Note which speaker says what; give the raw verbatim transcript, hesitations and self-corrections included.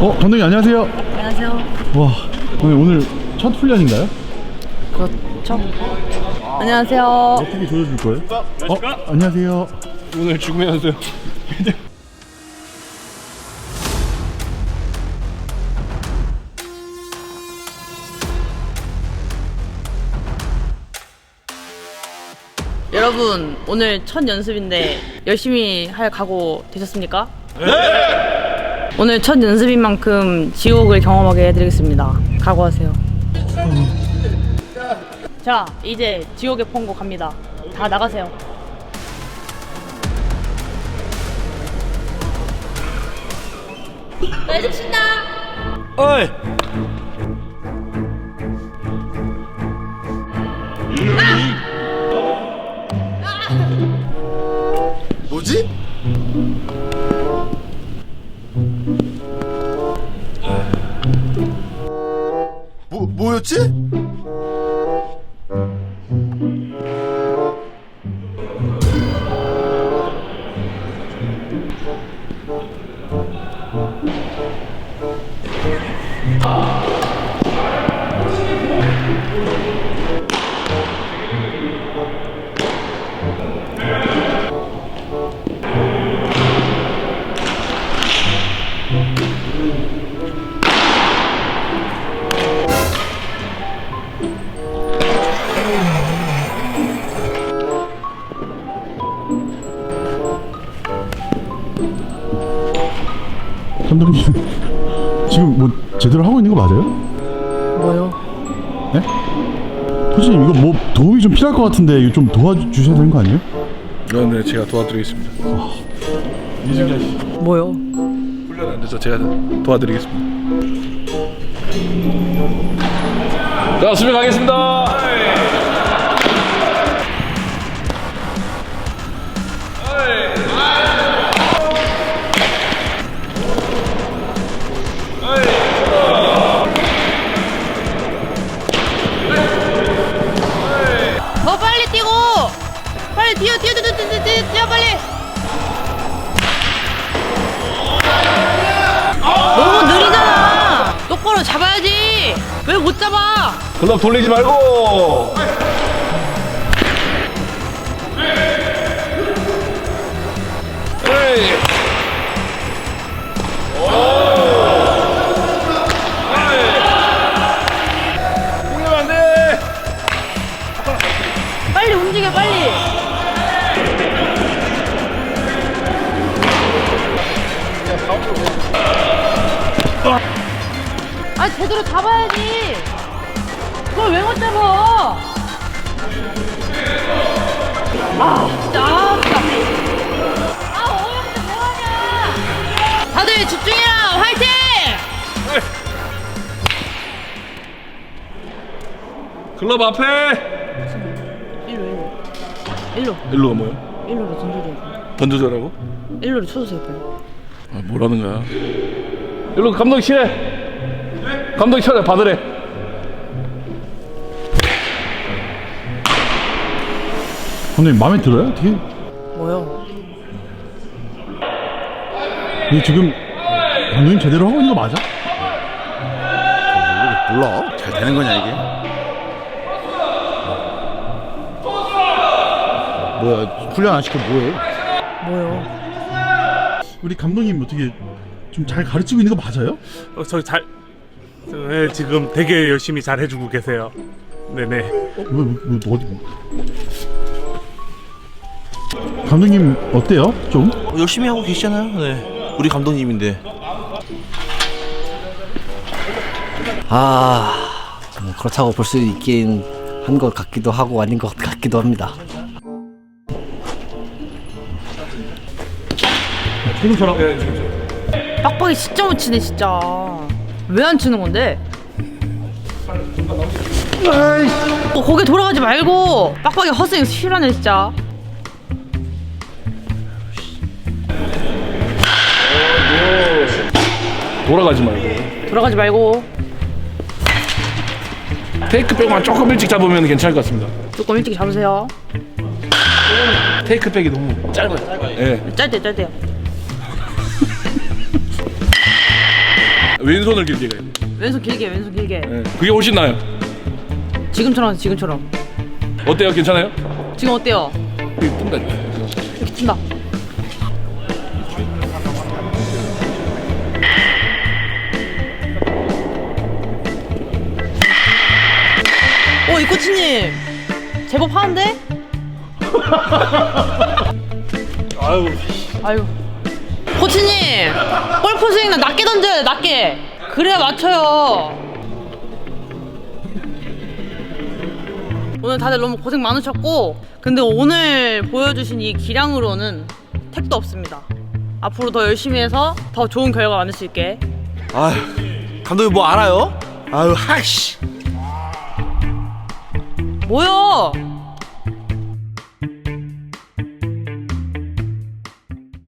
Speaker 1: 어, 감독님 안녕하세요.
Speaker 2: 안녕하세요.
Speaker 1: 와, 오늘, 오늘 첫 훈련인가요?
Speaker 2: 그렇죠. 안녕하세요.
Speaker 1: 어떻게 조여줄 거예요? 어, 안녕하세요.
Speaker 3: 오늘 죽음의 연수요.
Speaker 2: 여러분, 오늘 첫 연습인데 열심히 할 각오 되셨습니까? 네! 오늘 첫 연습인 만큼 지옥을 경험하게 해드리겠습니다. 각오하세요. 자, 이제 지옥의 폰고 갑니다. 다 나가세요. 알겠습니다.
Speaker 3: 어이.
Speaker 4: 뭐지? 뭐, 뭐였지?
Speaker 1: 감독님, 지금 뭐 제대로 하고 있는 거 맞아요?
Speaker 2: 뭐요?
Speaker 1: 네? 코치님, 이거 뭐 도움이 좀 필요할 것 같은데 이거 좀 도와주셔야 되는 거 아니에요?
Speaker 3: 네, 네, 제가 도와드리겠습니다. 이승현 씨,
Speaker 2: 뭐요?
Speaker 3: 훈련 안 돼서 제가 도와드리겠습니다. 자, 수비 가겠습니다.
Speaker 2: 더 빨리 뛰고! 빨리 뛰어, 뛰어, 뛰어, 뛰어, 뛰어, 뛰어, 뛰어 빨리! 너무 느리잖아! 똑바로 잡아야지! 왜 못 잡아?
Speaker 3: 글럽 돌리지 말고. 에이. 공격 안 돼.
Speaker 2: 빨리 움직여, 빨리! 아, 제대로 잡아야지! 그걸 왜 못 잡아! 아, 진짜, 아, 진짜. 아, 어이없는데 뭐하냐! 다들 집중해라! 화이팅!
Speaker 3: 글럽 앞에.
Speaker 2: 일로, 일로. 일로,
Speaker 3: 일로가 뭐야?
Speaker 2: 일로로 던져줘야
Speaker 3: 던져줘라고?
Speaker 2: 돼. 일로로 쳐주세요, 빨리.
Speaker 3: 아, 뭐라는 거야? 일로 감독실에. 감독이 쳐내 받으래.
Speaker 1: 감독님, 마음에 들어요? 어떻게?
Speaker 2: 뭐요?
Speaker 1: 이게 지금 감독님 제대로 하고 있는 거 맞아?
Speaker 4: 몰라. 잘 되는 거냐 이게? 뭐야? 훈련 안 시켜 뭐해?
Speaker 2: 뭐요?
Speaker 1: 우리 감독님 어떻게 좀 잘 가르치고 있는 거 맞아요?
Speaker 5: 어, 저 잘, 저, 네, 지금 되게 열심히 잘 해주고 계세요. 네네.
Speaker 1: 어, 뭐, 뭐, 뭐, 어디? 감독님 어때요? 좀?
Speaker 6: 어, 열심히 하고 계시잖아요. 네, 우리 감독님인데. 아, 뭐 그렇다고 볼 수 있긴 한 것 같기도 하고 아닌 것 같기도 합니다.
Speaker 1: 지금처럼.
Speaker 2: 빡빡이 진짜 못 치네, 진짜. 왜 안 치는 건데? 어, 거기 돌아가지 말고 빡빡이 허스윙 실하네, 진짜.
Speaker 3: 돌아가지 말고.
Speaker 2: 돌아가지 말고.
Speaker 3: 테이크백만 조금 일찍 잡으면 괜찮을 것 같습니다.
Speaker 2: 조금 일찍 잡으세요.
Speaker 3: 테이크백이 너무 짧아요. 예.
Speaker 2: 짧대 짧대요.
Speaker 3: 왼손을 길게 가야 돼.
Speaker 2: 왼손 길게 왼손 길게.
Speaker 3: 네. 그게 훨씬 나아요.
Speaker 2: 지금처럼 지금처럼.
Speaker 3: 어때요? 괜찮아요?
Speaker 2: 지금 어때요?
Speaker 3: 이게 뜬다니까.
Speaker 2: 이렇게 튄다. 오, 이 코치님 제법 하는데?
Speaker 3: 아유.
Speaker 2: 아유. 코치님 골프 스윙 낮게 던져야 돼. 낮게. 그래야 맞춰요. 오늘 다들 너무 고생 많으셨고, 근데 오늘 보여주신 이 기량으로는 택도 없습니다. 앞으로 더 열심히 해서 더 좋은 결과 만들 수 있게.
Speaker 4: 아유, 감독님 뭐 알아요? 아유, 하씨.
Speaker 2: 뭐야?